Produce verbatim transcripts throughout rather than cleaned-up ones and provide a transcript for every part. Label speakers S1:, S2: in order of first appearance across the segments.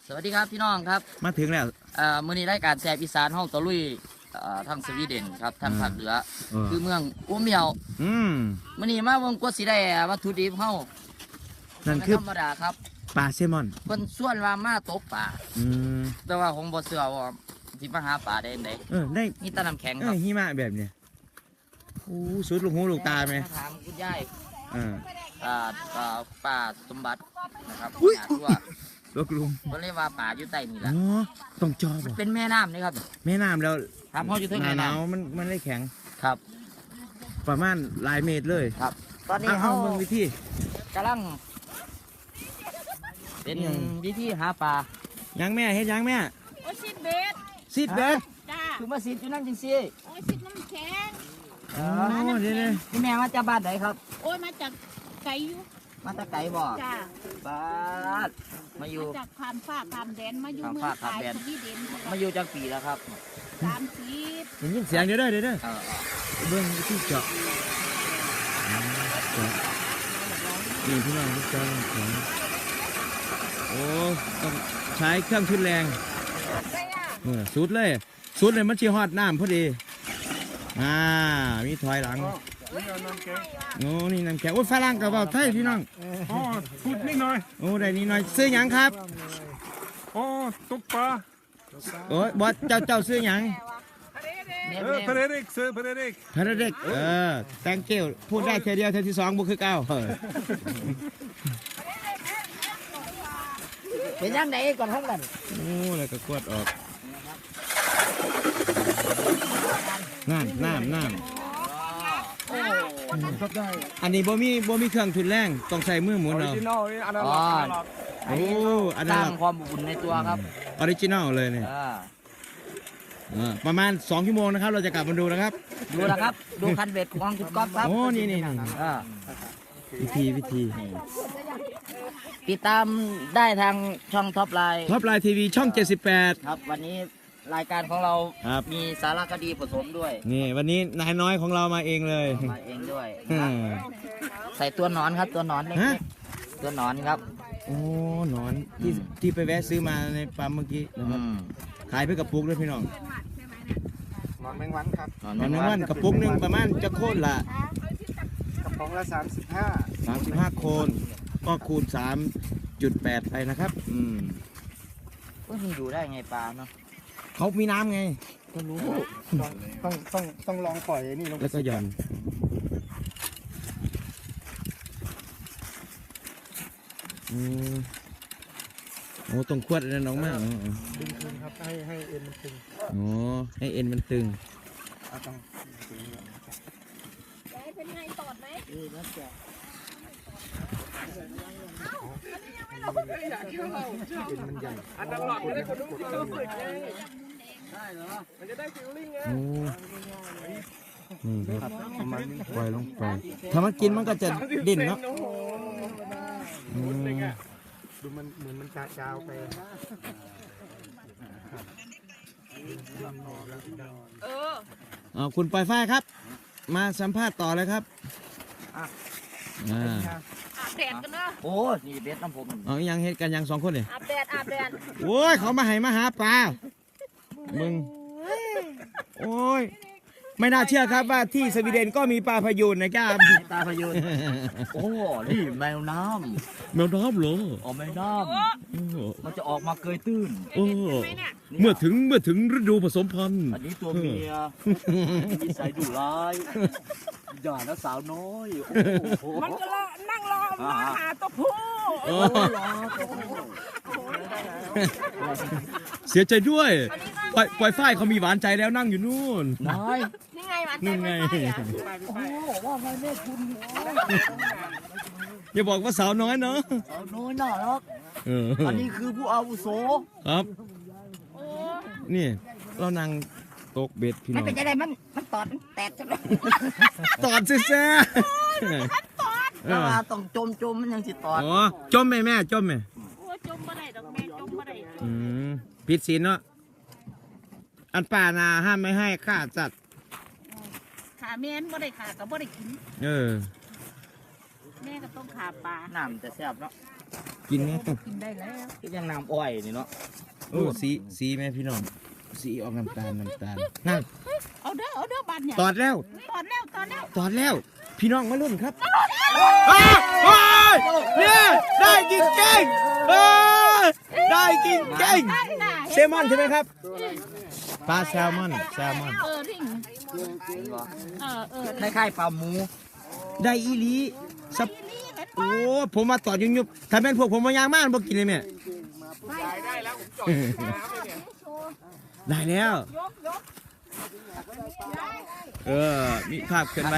S1: สวัสดีครับพี่น้องครับ
S2: มาถึงแล้ว
S1: เอ่อมื้อนี้รายการแซ่บอีสานห้องตะลุยเอ่อทางสวีเดนครับทางภาคเหนือคือเมืองอูเมียว
S2: อืม
S1: มื้อนี้มาเบิ่งกว่าสิได้วัตถุดิบเฮา
S2: นั่นคือ
S1: ธรรมดาครับ
S2: ปลาแซลมอน
S1: เพิ่นส่วนว่ามาตกปลา
S2: อืม
S1: แต่ว่าผมบ่เชื่อว่าสิมาหาปลาได้จังได๋
S2: เออได้
S1: มีแต่น้ำแข็ง
S2: เอ
S1: ครั
S2: อบ หิมะแบบเนี้ยโอ้สุดลูกหูลูกตาไหม
S1: ถามคุณยาย
S2: เออ
S1: อ่าอ่าป้าสมบัตินะครับว่า
S2: ลูกลุง
S1: เพิ่นเรียกว่าปลาอยู่ใต้นี่ล่ะ
S2: อ๋อต้องจอบ่
S1: เป็นแม่น้ำนี่ครับ
S2: แม่น้ำแล้ว
S1: ถามเฮาอยู่ถึง
S2: ห
S1: แม่น้ำ
S2: นาวมันมันได้แข็ง
S1: ครับ
S2: ประมาณหลายเมตรเลย
S1: ครับตอนนี้เฮา
S2: เบิ่งวิธี
S1: กำลังเป็นวิธีหาปลา
S2: ยังแม่เฮ็ดยังแม่
S3: โอ้ชิดเบ็ด
S2: ซิดเบ็ด
S3: จ้า
S1: คือมาสิอยู่นั่นจริงสิ
S3: โอ้ชิดน้ำแข็ง
S2: อ๋อเดี๋ยวๆ
S1: พี่แม่มาจากบ้านไหนครับ
S3: โอ้ยมาจากไก่อยู่
S1: มาจากไก่บ่
S3: จ้า
S1: บ้านมาอยู่
S3: มาจากผ่านฟ้าผ่านแดนมาอยู่
S1: ผ่าน
S3: เมือ
S1: ฟ้าง ผ่าน
S3: ไทย
S1: แดน
S3: สวีเดน
S1: มาอยู่จากปีแล้วครับ
S3: สามสิบ
S2: ได้ยินเสียงเดี๋ยวเด้อเดี๋ยวเด้อ
S1: เออ
S2: เบิ่งวิธีเจาะเจาะนี่พี่น้องที่เจาะของโอ้ต้องใช้เครื่องทุนแรงเออสุดเลยสุดเลยมันชีฮอดน้ำพอดีอ่ามีถอยหลังโอ้นี่น้ำแข็งโอ้ฝรั่งกับเบาไทยพี่น้อง
S4: อ๋อพูดนิดหน่อย
S2: โอ้ได้นิดหน่อยซื้อหยังครับ
S4: อ๋อตกปลา
S2: โอ้บอสเจ้าเจ้าซื้อหยัง
S1: เนม
S4: เอ
S1: เน
S4: อ
S1: ม
S4: เพเดริกเซอร์เพเดริก
S2: พระเด็กเออแตงเกลพูดได้เทเดียวเทที่สองบุคือเก้าเออ
S1: เป็นยังไงก่อนทั้งนั้น
S2: โอ้แล้วก็กวดออกน้ำน้ำน้ำอันนี้บ่มีบ่มีเครื่องทุนแรงต้องใช้มือหมุน
S4: ออริ
S2: เอา
S4: จินอลอันนั้นอันนั้น
S2: โอ้อัน
S1: ส
S2: นั้
S1: ร้าน งความอบอุ่นในตัวครับ
S2: ออริจินอลเลยเนี่ย
S1: อ่า
S2: เออประมาณสองชั่วโมงนะครับเราจะกลับมาดูนะครับ
S1: ดูนะครับดูคันเบ็ดของคุณก๊อฟครับ
S2: โอ้นี่นี่นี่
S1: อ่า
S2: วิธีวิธี
S1: ติดตามได้ทางช่องท็อปไลน์
S2: ท็อปไลน์ทีวีช่องเจ็ดสิบแปด
S1: ครับวันนี้รายการของเรา
S2: ครับ
S1: มีสารคดีผสมด้วย
S2: นี่วันนี้นายน้อยของเรามาเองเลย
S1: มาเองด้วย
S2: อืม
S1: ใส่ตัวหนอนครับตัวหนอนเล็
S2: ฮะ
S1: กๆตัวหนอนครับ
S2: โอ้หนอนที่ที่ไปแวะซื้อมาในปั๊มเมื่อกี้นะค
S1: อื
S2: รับ
S1: ม
S2: ขายเพื่อกระปุกด้วยพี่น้อง
S4: หนอนแมงวันครับ
S1: หนอน
S2: หนอน
S1: แม
S2: แม
S1: ง
S2: ง
S1: วั
S2: วัน นกระปุกหนึ่งประมาณจะโค่นละ
S4: กระป๋องละสามสิบห้า
S2: สามสิบห้าโคนก็คูณสามจุดแปดไปนะครับอืม
S1: ว่ามันอยู่ได้ไงปลาเนาะ
S2: เขามีน้ำไง
S4: ก็รู้ต้องต้องต้องลองปล่อยนี่ลง
S2: แล้วก็หย่อนอืมโอ้ตรงขวดนั่นน้องมากอ๋อ
S4: ดึงคืนครับให้ให้เอ็นมันตึง
S2: อ๋อให้เอ็นมันตึง
S4: เอาต้อง
S3: เป็นไงตอดไหม
S1: เออแล้วแต่
S4: เอ็นมันใหญ่
S1: อันนั้นหลอดไม่ได้คนรู้ที่เราฝึกเลยได้เหรอมันจะได้ฟิลลิ่งไง
S2: โอ้นี่ครับปล่อยลงไปถ้ามันกินมันก็จะดิ้นเนาะอืม
S4: ดูมันเหมือนมันจาจาวไป
S3: เออ
S2: เอาคุณปล่อยฝ้ายครับ มาสัมภาษณ์ต่อเลยครับอ่า
S3: อาบแดดกันเนาะ
S1: โอ้นี่เบ็ดน้ำผม
S2: เอาอีหยังเฮ็ดกันยังสองคนเนี่ย
S3: อาบแดดอาบแดด
S2: โอ้ยเขามาให้มาหาปลามึงโอ้ยไม่น่าเชื่อครับว่าที่สวีเดนก็มีปลาพยูนนะครับ
S1: ตาพยูนโอ้นี่แมวน้
S2: แมวน้ำเหรอ
S1: ำอ๋อแมวน้ำมันจะออกมาเกยตื้น
S2: โอ้เมื่อถึงเมื่อถึงฤดูผสมพันธุ์
S1: อันนี้ตัวเมียนิสัยดุร้ายอย่านะสาวน้อยโอ้โห
S3: มันก็รอนั่งรอมาหาตัวผู้
S2: โอ้
S1: รอตัวผู้
S2: เสียใจด้วยปล่อยปล่อยฝ้ายเขามีหวานใจแล้วนั่งอยู่นู่น
S1: น้อย
S3: นี่ไงมัน
S2: นู่นไง
S1: โอ้ว่าไงแม่คุณ
S2: อย่าบอกว่าสาวน้อยเนาะ
S1: สาวน้อยน่ารัก
S2: เออ
S1: อันนี้คือผู้อาวุโส
S2: ครับนี่เรานั่งโต๊ะเบ็ดพี่น้
S1: ไม่
S2: อง
S1: เป็นไรมันมันตอดมันแตกจังเลย
S2: ตอดซิแซ่
S1: แล้วว่าต้องจมจมมันยังสิตอด
S2: อ๋อจมไหมแม่จมไหม
S3: โอ้จมบ่ได้ดอกแม่จมบ่ได้
S2: อืมผิดศีลเนาะอันป่านาห้ามไม่ให้ฆ่าสัตว์
S3: ขาแม่นบ่ได้ขาก็บ่ได้กิน
S2: เออ
S3: แม่ก็ต้องขาปลา
S1: น้ำจะแซ่บเนาะ
S2: กินไหม
S3: กินได้แล้ว
S1: ก็ยังน้ำอ้อยนี่เนาะ
S2: โอ้สีสีไหมพี่น้องสีออกน้ำตาลน้ำตาลนั่น
S3: เอาเด้อเอาเด้อบัดเนี่ย
S2: ตอดแล้ว
S3: ตอนแล้วตอนแล้ว
S2: ตอดแล้ว พี่น้องมาลุ้นครับอ้าวโอ้ยเนี่ยได้กินเก่งเอ้ยได้กินเก่ง
S3: ได้ได้
S2: แซลมอนใช่ไหมครับปลาแซลมอนแซลมอน
S3: เออริ่งเออเออ
S1: คล้ายๆปลาหมู
S2: ได้อีหลีสับโอ้ผมมาต่อยุบยุบถ้าเป็นพวกผมมายางมากบ่กินเลยแม่ได้แล้ว
S3: ยกยก
S2: เออมีภาพเกินไว้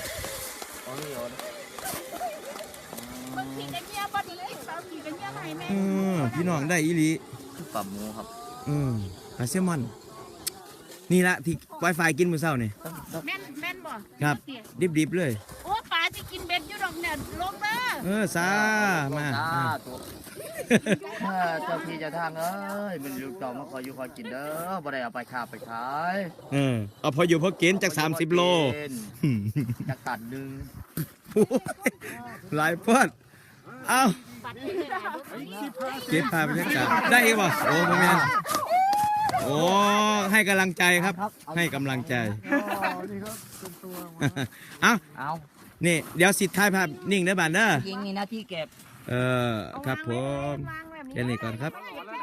S3: บางทีกันเงียบบ่ดีบางทีกันเงียบให้แม่
S2: อืมพี่น้องได้อีหลี
S1: ปลาหมูครับ
S2: อืมปลาแซลมอน นี่ละที่ไวไฟกินมื้อเช้านี่
S3: แม่นแม่นบ่
S2: ครับ ดิบๆเลย
S3: โอ้ปลาจะกินเบ็ดอยู่ดอกเนี่ยลงเด้อ
S2: เออซามา
S1: จ้า
S2: อ่ะ
S1: ตัวเจ้าพี่เจ้าทางเอ้ยมันลูกเจ้ามาคอยอยู่คอยกินเด้อบ่ได้เอาไปขาไปขาย
S2: เออเอาพออยู่พอกินจากสามสิบโล
S1: จากตัดหนึ่ง
S2: หลายพอดเอา
S3: บัดนี้เลยนะ
S2: เก็บภาพบรรยากาศได้อีกบ่โอ้โหแม่นโอ้ให้กำลังใจครับ ให้กำลังใจ เอา
S1: เอา
S2: นี่เดี๋ยวสิถ่ายภาพนิ่งได้อบ้านเด้อ
S1: ยิงมีหน้าที่เก็บ
S2: เออครับผม
S3: วางแบบนี้
S2: แค่นี้ก่อนครับ
S3: ไม่